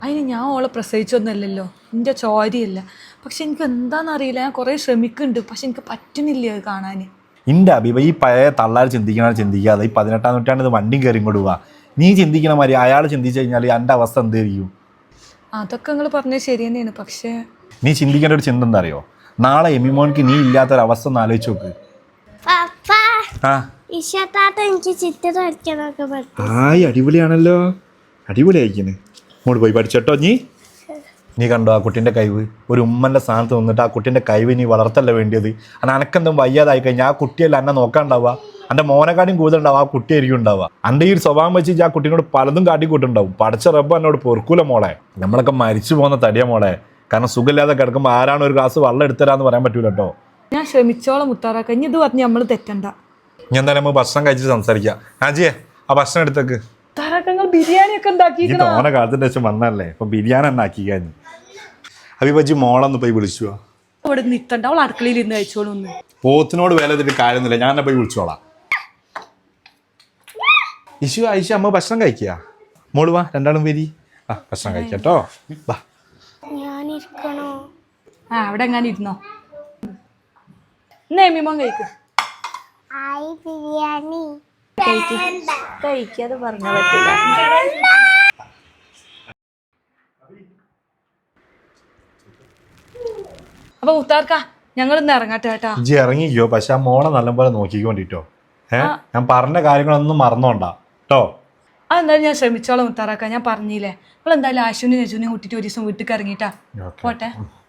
അതിന് ഞാൻ ഓളെ പ്രസവിച്ചൊന്നുമല്ലല്ലോ, എൻ്റെ ചോരയല്ല. പക്ഷെ എനിക്ക് എന്താണെന്നറിയില്ല, ഞാൻ കുറേ ശ്രമിക്കുന്നുണ്ട്, പക്ഷെ എനിക്ക് പറ്റുന്നില്ല അത് കാണാൻ. എൻ്റെ അഭിപ ഈ പഴയ തള്ളാർ ചിന്തിക്കാതെ ഈ 18-ാം നൂറ്റാണ്ട് വണ്ടിയും കയറി ഇങ്ങോട്ട് പോവാ. നീ ചിന്തിക്കണ മാതിരി അയാൾ ചിന്തിച്ചു കഴിഞ്ഞാൽ എൻ്റെ അവസ്ഥ എന്തായിരിക്കും? അതൊക്കെ നിങ്ങൾ പറഞ്ഞത് ശരി തന്നെയാണ്. പക്ഷേ നീ ചിന്തിക്കേണ്ട ഒരു ചിന്ത എന്താ അറിയോ? നാളെ എമിമോൻക്ക് നീ ഇല്ലാത്തൊരവസ്ഥ ഒന്ന് ആലോചിച്ച് നോക്ക്. ആയി അടിപൊളിയാണല്ലോ, അടിപൊളിയായിക്കണ്. ഇങ്ങോട്ട് പോയി പഠിച്ചോട്ടോ. നീ കണ്ടോ ആ കുട്ടീൻ്റെ കഴിവ്? ഒരു ഉമ്മൻ്റെ സ്ഥാനത്ത് നിന്നിട്ട് ആ കുട്ടീൻ്റെ കഴിവ് നീ വളർത്തല്ല വേണ്ടിയത്. കാരണം അനക്കെന്തും വയ്യാതായി കഴിഞ്ഞാൽ ആ കുട്ടിയല്ല എന്നെ നോക്കാണ്ടാവുക, എൻ്റെ മോനെക്കാട്ടിയും കൂടുതലുണ്ടാവും ആ കുട്ടിയായിരിക്കും ഉണ്ടാവുക. എൻ്റെ ഈ സ്വഭാവം വെച്ച് ആ കുട്ടീനോട് പലതും കാട്ടിക്കൂട്ടുണ്ടാവും. പഠിച്ച റബ്ബ് എന്നോട് പൊറുക്കൂല മോളെ. നമ്മളൊക്കെ മരിച്ചു പോകുന്ന തടിയ മോളെ. കാരണം സുഖമില്ലാതെ കിടക്കുമ്പോൾ ആരാണ് ഒരു ഗ്ലാസ് വെള്ളം എടുത്തരാന്ന് പറയാൻ പറ്റൂല കേട്ടോ. ഞാൻ ശ്രമിച്ചോളം മുത്താറാക്ക, ഇനി ഇത് പറഞ്ഞ് നമ്മൾ തെറ്റണ്ട. ഞാൻ എന്തായാലും നമുക്ക് ഭക്ഷണം കഴിച്ചിട്ട് സംസാരിക്കാം. ആജിയെ ആ ഭക്ഷണം എടുത്തേക്ക്. ബിരിയാണി ഒക്കെ ഉണ്ടാക്കി ഓനെ കാലത്തിൻ്റെ ശേഷം വന്നല്ലേ, ഇപ്പൊ ബിരിയാണി തന്നെ ആക്കി കഴിഞ്ഞു. അഭിപജി മോളൊന്ന് പോയി വിളിച്ചു. അവിടെ നിൽക്കണ്ട, അവൾ അടുക്കളയിൽ ഇരുന്ന് കഴിച്ചോളൂ. പോത്തിനോട് വേല ചെയ്തിട്ട് കാര്യമൊന്നുമില്ല, ഞാൻ തന്നെ പോയി വിളിച്ചോളാം. ഇഷു ഐഷ അമ്മ ഭക്ഷണം കഴിക്കുക. മോള് വാ, രണ്ടാളും വരി. ആ ഭക്ഷണം കഴിക്കട്ടോ. വാ. അവിടെ എങ്ങനെ ഇരുന്നോ. എന്നാ എമ്മിമോൻ കഴിക്ക്. കഴിക്കാതെ പറഞ്ഞ പറ്റില്ല. അപ്പൊ മുത്താർക്ക, ഞങ്ങൾ ഇന്ന് ഇറങ്ങട്ടെ കേട്ടാ. ഇജ്ജ് ഇറങ്ങിക്കോ, പക്ഷെ ആ മോളെ നല്ലപോലെ നോക്കിക്കൊണ്ടിട്ടോ. ഞാൻ പറഞ്ഞ കാര്യങ്ങളൊന്നും മറന്നോണ്ടാ കേട്ടോ. അതെന്തായാലും ഞാൻ ശ്രമിച്ചോളാം മുത്താറാക്ക. ഞാൻ പറഞ്ഞില്ലേ, നമ്മൾ എന്തായാലും ആശുവിനെ നെജുവിനെ കൂട്ടിട്ട് ഒരു ദിവസം വീട്ടിൽ ഇറങ്ങിട്ടാ പോട്ടെ.